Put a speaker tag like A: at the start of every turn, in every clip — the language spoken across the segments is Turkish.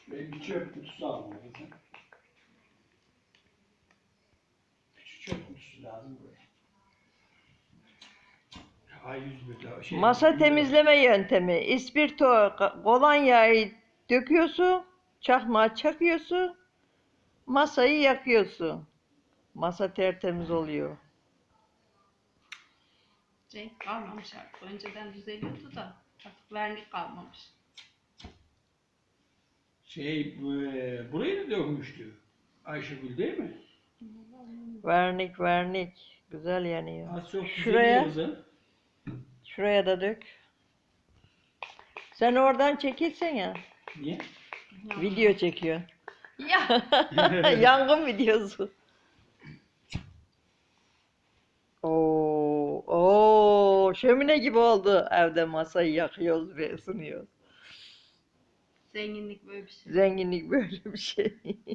A: Şuraya bir çöp kutusu aldım kızım. Küçük çöp kutusu lazım buraya. A101'de şey.
B: Masa temizleme yöntemi. İspirto, kolonyayı döküyorsun, çakmağa çakıyorsun, masayı yakıyorsun. Masa tertemiz oluyor.
C: Renk kalmamış artık. Önceden düzeliyordu da artık vernik kalmamış.
A: Burayı da dövmüştü. Ayşegül değil mi?
B: Vernik vernik. Güzel yanıyor.
A: Az çok
B: Şuraya,
A: kızım.
B: şuraya da dök. Sen oradan çekilsene.
A: Niye?
B: Video çekiyor.
C: Ya
B: Yangın videosu. Oo, şömine gibi oldu. Evde masayı yakıyoruz ve ısınıyoruz.
C: zenginlik böyle bir şey.
B: Zenginlik böyle bir şey.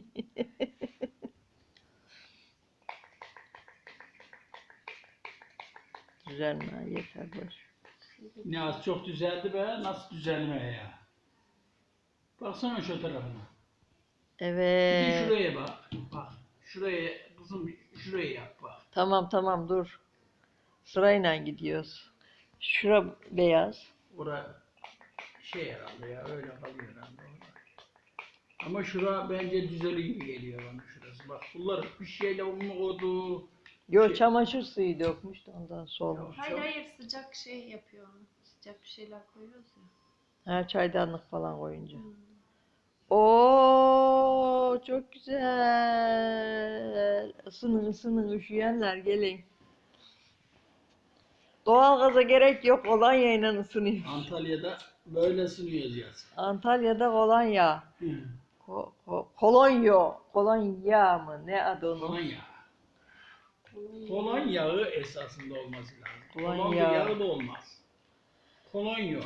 B: Düzenle yeter boş.
A: Ne az çok düzeldi be. Nasıl düzelme ya? Baksana şu tarafına. Bir de
B: Evet.
A: şuraya bak. Bak. Şuraya kızım şuraya yap bak.
B: Tamam dur. Sırayla gidiyoruz. Şura beyaz.
A: Ora şey herhalde ya öyle kalıyor herhalde orada. Ama şura bence düzeli gibi geliyor bana şurası. Bak bunlar bir şeyle onu koydu.
B: Yo
A: Şey-
B: çamaşır suyu dökmüş de ondan solmuş.
C: Hayır hayır sıcak şey yapıyor onu. Sıcak bir şeyler koyuyoruz ya.
B: Ha çaydanlık falan koyunca.
C: Hmm.
B: Oo çok güzel. Isının üşüyenler gelin. Doğalgaza gerek yok, kolonyayla ısınıyor.
A: Antalya'da böyle ısınıyoruz yaz.
B: Antalya'da kolonya. Kolonya mı? Ne adı onun?
A: Kolonya. Kolon yağı esasında olması lazım.
B: Kolon
A: Kolon
B: yağı.
A: yağı da olmaz. Kolonya.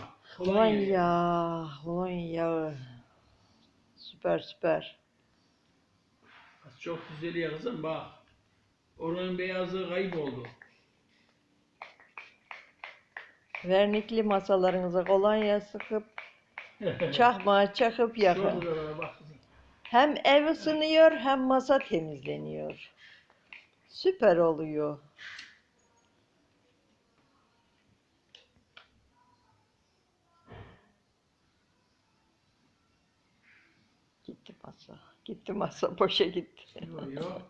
B: Kolonya. Süper.
A: Çok güzel ya kızım bak. Oranın beyazlığı kayboldu.
B: Vernikli masalarınıza kolonya sıkıp çakmağa çakıp yakın.
A: Şurada bak kızım.
B: Hem ev ısınıyor hem masa temizleniyor. Süper oluyor. Gitti masa boşa gitti.
A: Yok.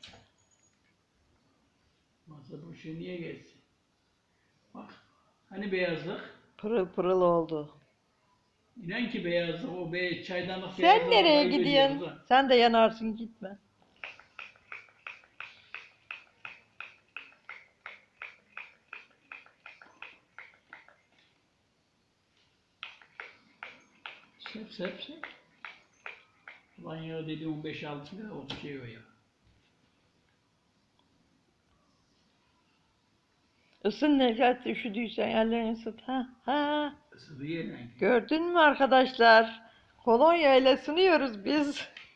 A: Masa bu şey niye geçsin? Bak. Hani beyazlık?
B: Pırıl oldu.
A: İnan ki beyazlık o çaydanlık
B: Sen
A: beyazlığı
B: nereye
A: kaybediyor
B: gidiyorsun?
A: kızım.
B: Sen de yanarsın, gitme.
A: Sep. Ulan ya dedi 15-6 lira o şey o ya.
B: Isın Necat, üşüdüysen ellerini ısıt.
A: Isıdı yerine.
B: Gördün mü arkadaşlar? Kolonya ile ısınıyoruz biz.